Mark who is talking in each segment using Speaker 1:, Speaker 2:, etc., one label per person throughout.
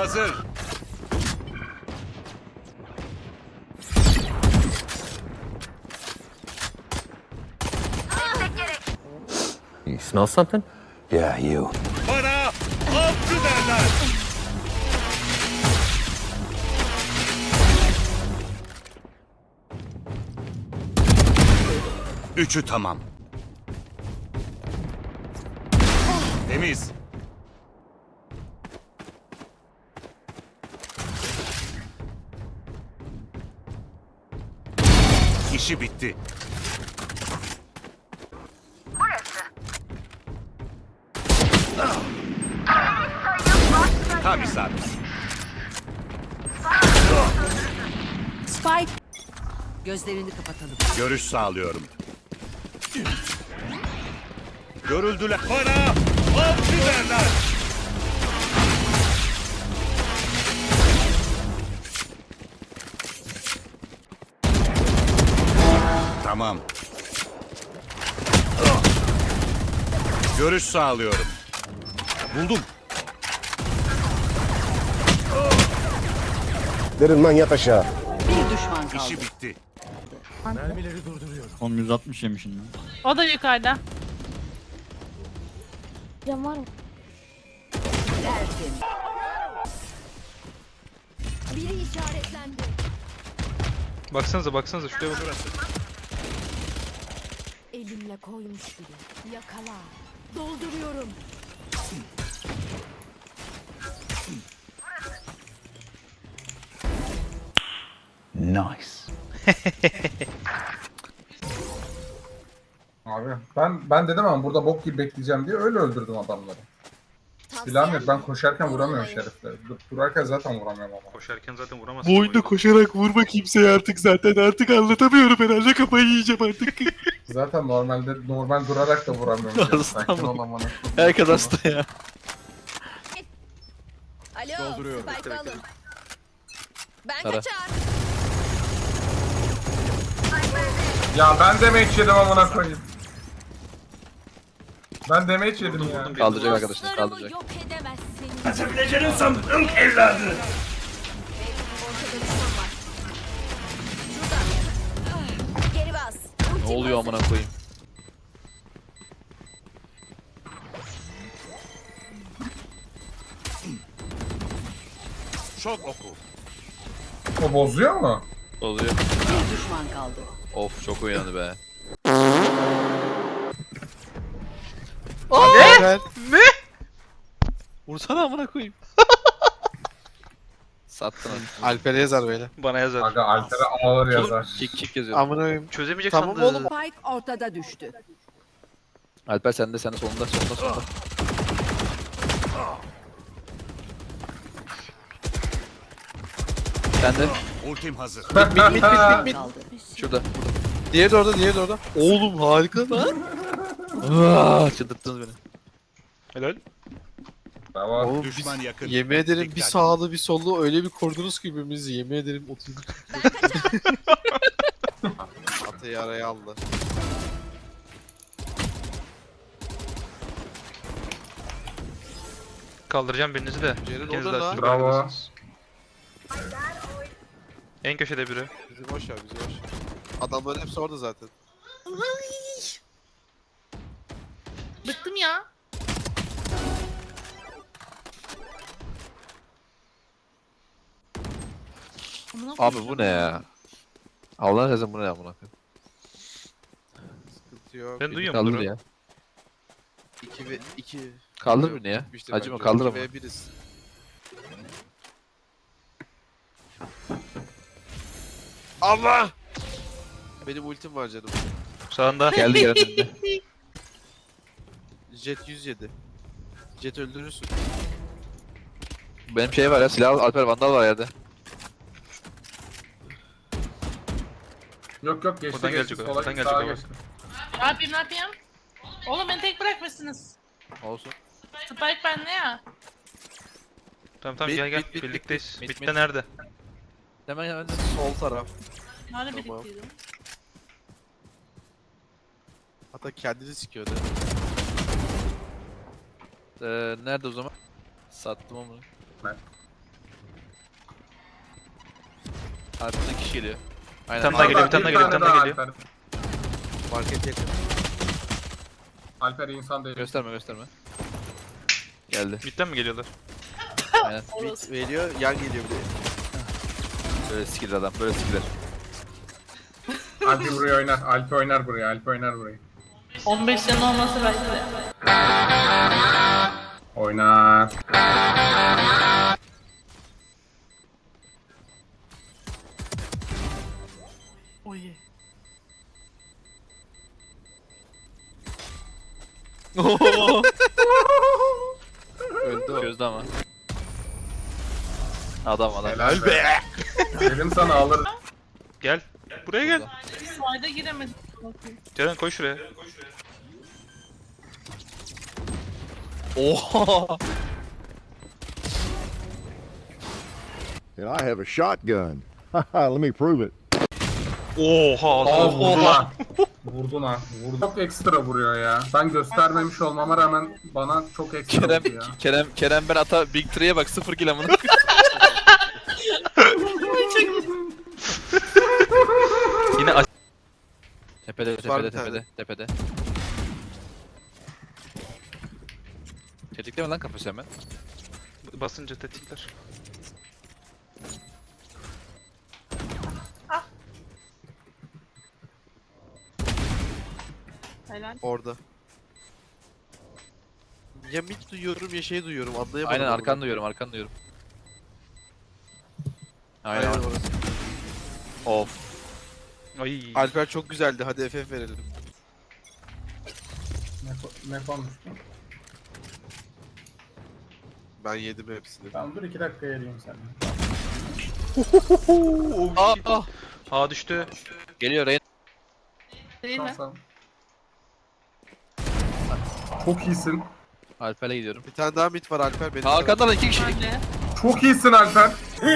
Speaker 1: hazır.
Speaker 2: You smell something?
Speaker 3: Yeah, you.
Speaker 1: Bana avcı derler. Üçü tamam. Temiz. İşi bitti. Tam isabet.
Speaker 4: Spike. Gözlerini kapatalım.
Speaker 1: Görüş sağlıyorum. Görüldüler. Bana avcı derler. Tamam. Görüş sağlıyorum. Buldum.
Speaker 3: Derin lan yat aşağı.
Speaker 4: Bir düşman kaldı.
Speaker 1: İşi bitti.
Speaker 5: Oğlum 160 yemişim lan.
Speaker 6: O da yukarıda.
Speaker 7: Cam var mı?
Speaker 4: Tertemiz.
Speaker 7: Biri işaretlendi.
Speaker 8: Baksanıza şuraya bakın.
Speaker 7: Elimle koymuş gibi. Yakala. Dolduruyorum.
Speaker 3: Nice.
Speaker 9: Abi ben dedim ama burada bok gibi bekleyeceğim diye öyle öldürdüm adamları. Silahım yok, ben koşarken vuramıyorum şerifleri. Durarken zaten vuramıyorum ama.
Speaker 8: Koşarken zaten vuramazsın.
Speaker 10: Bu oyunda koşarak vurma kimseye artık zaten. Artık anlatamıyorum herhalde, kafayı yiyeceğim artık.
Speaker 9: Zaten normal durarak da vuramıyorum.
Speaker 10: Sakin ol
Speaker 9: amına.
Speaker 10: Herkes hasta ya.
Speaker 7: Alo.
Speaker 1: Dolduruyorum.
Speaker 7: Spike alın. Ben
Speaker 10: Tara.
Speaker 7: kaçar.
Speaker 9: Ya ben damage yedim amına koyayım. Ben damage yedim ya.
Speaker 10: Kaldıracak arkadaşlar,
Speaker 7: Dostlarımı
Speaker 10: kaldıracak.
Speaker 7: yok edemezsiniz.
Speaker 1: Kaçabileceğini sandın evladı.
Speaker 7: Ortada düşman var. Şurada. Ah, geri bas.
Speaker 10: Ne oluyor amına koyayım?
Speaker 1: Şok oku.
Speaker 9: O bozuyor mu?
Speaker 10: Oluyor.
Speaker 4: Bir düşman kaldı.
Speaker 10: Of, çok uyandı be.
Speaker 5: Ne?
Speaker 10: Ne? Vursana amına koyayım. Sattın hadi.
Speaker 5: Alper'e yazar böyle.
Speaker 8: Bana yazar.
Speaker 9: Aga Alper'e ağır yazar.
Speaker 10: Kick yazıyor.
Speaker 5: Amına koyayım.
Speaker 8: Çözemeyecek
Speaker 5: Tamam
Speaker 8: sandı.
Speaker 5: oğlum.
Speaker 4: Spike ortada düştü.
Speaker 10: Alper sende solunda. Sende.
Speaker 1: Ultim hazır.
Speaker 5: Mid.
Speaker 4: Kaldı.
Speaker 10: Şurada.
Speaker 5: Diğeri de orada. Oğlum harika lan.
Speaker 10: Çıldırttınız beni.
Speaker 8: Helal.
Speaker 9: Tamam.
Speaker 5: Oğlum
Speaker 1: Düşman yakın.
Speaker 5: yemin ederim bir
Speaker 1: Dikkat.
Speaker 5: sağlı bir sollu öyle bir kordunuz ki birbirimizi, yemin ederim oturduk. Atayı araya aldı.
Speaker 8: Kaldıracağım birinizi de.
Speaker 5: Ceren
Speaker 8: İkiniz de
Speaker 5: orada
Speaker 8: açık
Speaker 5: lan.
Speaker 9: Bravo.
Speaker 8: bırakırsınız. En köşede biri.
Speaker 5: Bizi boş ver. Adamların hepsi orada zaten.
Speaker 6: Bıktım ya. Amına
Speaker 10: Abi
Speaker 6: koyayım.
Speaker 10: bu ne ya? Allah'ın razı bu ne amına koyayım?
Speaker 5: Sıkıntı yok.
Speaker 8: Ben duyuyorum
Speaker 10: Kaldır
Speaker 8: bunu.
Speaker 10: ya.
Speaker 5: 2 ve 2.
Speaker 10: Kaldır beni ya. Acıma, kaldır ama.
Speaker 5: 2 ve 1'iz. Allah! Benim ultim var canım.
Speaker 8: Sağında.
Speaker 10: Geldi önünde.
Speaker 5: Jet 107. Jet öldürürsün.
Speaker 10: Benim şey var ya, silah Alper Vandal var yerde.
Speaker 9: Yok geçti
Speaker 8: Buradan
Speaker 9: geçti.
Speaker 8: gelecek o,
Speaker 9: Sola
Speaker 8: buradan
Speaker 9: git,
Speaker 8: gelecek
Speaker 9: sağa
Speaker 8: o.
Speaker 9: geçti.
Speaker 6: Ne yapayım? Oğlum beni tek bırakmışsınız.
Speaker 10: Olsun.
Speaker 6: Spike bende ya.
Speaker 8: Tamam
Speaker 5: Mid,
Speaker 8: gel.
Speaker 5: mid,
Speaker 8: Birlikteyiz.
Speaker 10: mid,
Speaker 8: Mid'de
Speaker 10: mid.
Speaker 8: nerede?
Speaker 10: Hemen sol taraf.
Speaker 6: Nerede
Speaker 5: Tamam.
Speaker 6: birlikteydim?
Speaker 5: Hatta kendini sikiyordu.
Speaker 10: Nerede o zaman? Sattım onu.
Speaker 11: Arkadan kişi geliyor.
Speaker 8: Bir
Speaker 11: Aynen.
Speaker 8: tane daha geliyor, bir tane daha geliyor, bir tane daha geliyor.
Speaker 9: Alper.
Speaker 11: Market yakın.
Speaker 9: Alper insan değil.
Speaker 11: Gösterme gösterme. Geldi.
Speaker 8: Mid'den mi geliyorlar?
Speaker 11: Aynen. Bit veriyor, yan geliyor bir de. Böyle skill adam, böyle skiller.
Speaker 9: Alper buraya oynar. Alper oynar buraya. Alper oynar burayı.
Speaker 6: 15 canı olması belki de.
Speaker 9: Oynar.
Speaker 6: Oy.
Speaker 11: Öldü o. Çözdü ama. Adam.
Speaker 9: Helal be. Dedim sana alır.
Speaker 8: Gel. Buraya gel.
Speaker 6: Slide'a giremedim. Bakayım.
Speaker 8: Ceren koy şuraya.
Speaker 11: Oha!
Speaker 3: And I have a shotgun. Let me prove it.
Speaker 8: Oha.
Speaker 9: Aa vurdun ha. Vurdun ha. Vurdun. Çok ekstra vuruyor ya. Ben göstermemiş olmama rağmen bana çok ekstra
Speaker 11: Kerem,
Speaker 9: vurdu ya.
Speaker 11: Kerem ben ata Big Tree'ye bak 0 kill amına.
Speaker 8: Yine
Speaker 11: Tepede. Tetikleme lan kafası hemen.
Speaker 8: basınca tetikler.
Speaker 6: Helal.
Speaker 10: Orada. Ya mid duyuyorum ya şey duyuyorum anlayamadım.
Speaker 11: Aynen
Speaker 10: onu.
Speaker 11: arkan duyuyorum.
Speaker 10: Aynen
Speaker 11: Aynen.
Speaker 10: orası.
Speaker 11: Of.
Speaker 8: Ay.
Speaker 10: Alper çok güzeldi hadi FF verelim.
Speaker 9: Ne konuştun?
Speaker 10: Ben yedim hepsini.
Speaker 9: Tamam dur 2 dakika yeriyim seni.
Speaker 8: A düştü.
Speaker 11: Geliyor Rain.
Speaker 6: Değil mi?
Speaker 9: Tamam. Çok iyisin.
Speaker 11: Alper'le gidiyorum.
Speaker 10: Bir tane daha mid var Alper benim.
Speaker 11: Arkadan 2 kişi.
Speaker 6: Ben de.
Speaker 9: Çok iyisin Alper.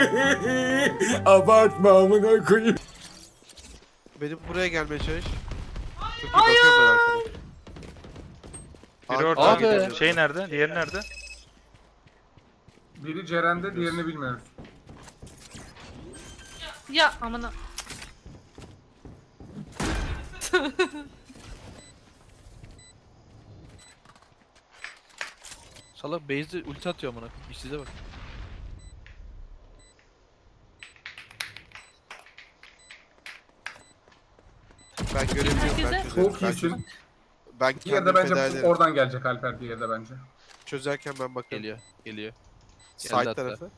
Speaker 3: Abartma amına koyayım.
Speaker 10: Benim buraya gelmeye çalış. Çok iyi bakıyorum ben arkada.
Speaker 8: Biri orada.
Speaker 11: Abi.
Speaker 8: Şey nerede? Diğeri nerede?
Speaker 9: Biri Ceren'de diğerini bilmiyoruz.
Speaker 6: Ya amına.
Speaker 11: Salak base'de ulti atıyor amına. İşsize bak.
Speaker 10: Ben göremiyorum ben
Speaker 6: Herkese-
Speaker 10: çözerim.
Speaker 9: Çok
Speaker 10: Ben
Speaker 9: iyisin.
Speaker 10: çözerim. Ben
Speaker 9: Diğeri de
Speaker 10: kendim
Speaker 9: bence
Speaker 10: feda ederim.
Speaker 9: oradan gelecek Alper diğeri de bence.
Speaker 10: Çözerken ben bakarım.
Speaker 11: Geliyor. Geldi
Speaker 10: Side
Speaker 11: hatta.
Speaker 10: tarafı.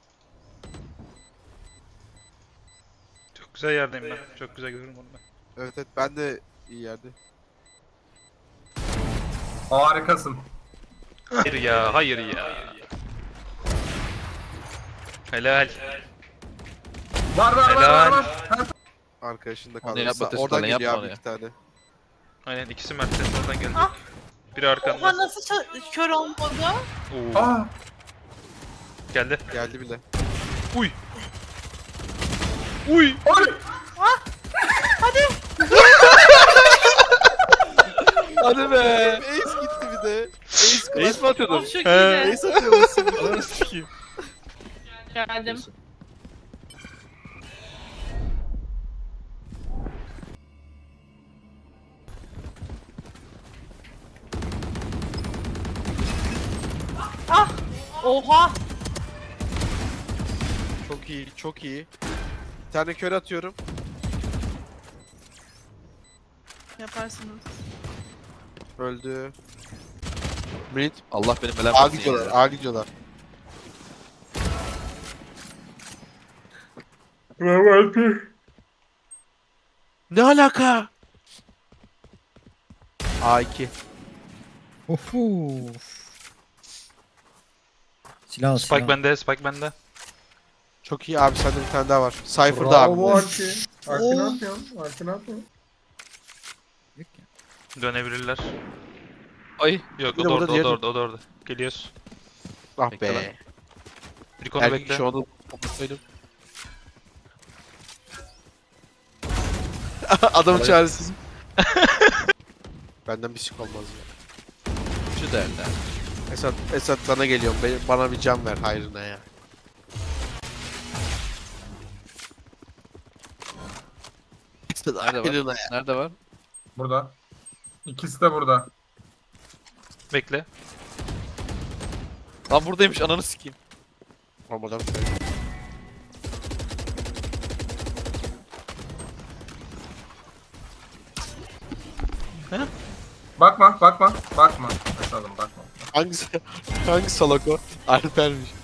Speaker 8: Çok güzel yerdeyim ben. Çok güzel görüyorum onu ben.
Speaker 10: Evet ben de iyi yerde.
Speaker 9: Harikasın.
Speaker 8: Hayır ya, hayır ya. Helal.
Speaker 9: Var.
Speaker 8: Helal.
Speaker 10: Arkadaşında
Speaker 11: Onu
Speaker 10: kaldı.
Speaker 11: yapma,
Speaker 10: Oradan
Speaker 11: Tesla,
Speaker 10: geliyor
Speaker 11: yapma
Speaker 10: abi
Speaker 11: onu
Speaker 10: 2 tane.
Speaker 8: Aynen ikisi Mert'ten oradan geldi.
Speaker 6: Ah.
Speaker 8: Biri arkanda.
Speaker 6: Oha nasıl kör olmadı?
Speaker 8: Oo.
Speaker 9: Aa,
Speaker 8: Geldi.
Speaker 10: Geldi bile.
Speaker 8: Uy. Uy.
Speaker 11: Hadi be.
Speaker 10: Ace gitti bir de. Ace
Speaker 11: Ace mi atıyordun?
Speaker 6: Of çok
Speaker 8: He.
Speaker 6: iyiydi.
Speaker 10: Ace atıyor musun?
Speaker 11: Ananı sikeyim.
Speaker 6: Geldim. Ah! Oha!
Speaker 10: Çok iyi, çok iyi. Bir tane kör atıyorum.
Speaker 6: Yaparsınız.
Speaker 10: Öldü. Mid.
Speaker 11: Allah benim belamı
Speaker 10: A
Speaker 11: versin
Speaker 10: gidiyorlar,
Speaker 11: ya.
Speaker 10: A gidiyorlar. Ne alaka? A2.
Speaker 3: Silah
Speaker 8: Spike bende, Spike bende.
Speaker 10: Çok iyi abi sende bir tane daha var. Cypher'da abi.
Speaker 9: bravo Arki. Arki ne yapıyorsun? Arki ne yapıyorsun?
Speaker 8: Dönebilirler.
Speaker 11: Ay.
Speaker 8: Yok
Speaker 10: Bir
Speaker 8: o
Speaker 10: de
Speaker 8: da
Speaker 10: burada
Speaker 8: orada, o
Speaker 10: diğeri-
Speaker 8: da orada, o da orada. Geliyoruz.
Speaker 10: Ah
Speaker 11: Bekle lan.
Speaker 10: be.
Speaker 8: Bir konu
Speaker 10: Erkek
Speaker 8: bekle.
Speaker 10: kişi onu toplatsaydım. Adam çaresiz. Benden bir sik olmaz ya.
Speaker 11: Şu derler.
Speaker 10: Esat sana geliyorum. Bana bir can ver hayrına ya.
Speaker 5: Nerede var? Nerede var?
Speaker 9: Burada. İkisi de burada.
Speaker 8: Bekle.
Speaker 5: Lan buradaymış ananı sikeyim.
Speaker 10: Olmadan
Speaker 9: Bakma. Bakma. Bakalım bakma.
Speaker 10: Hangi salak o? Alper'miş.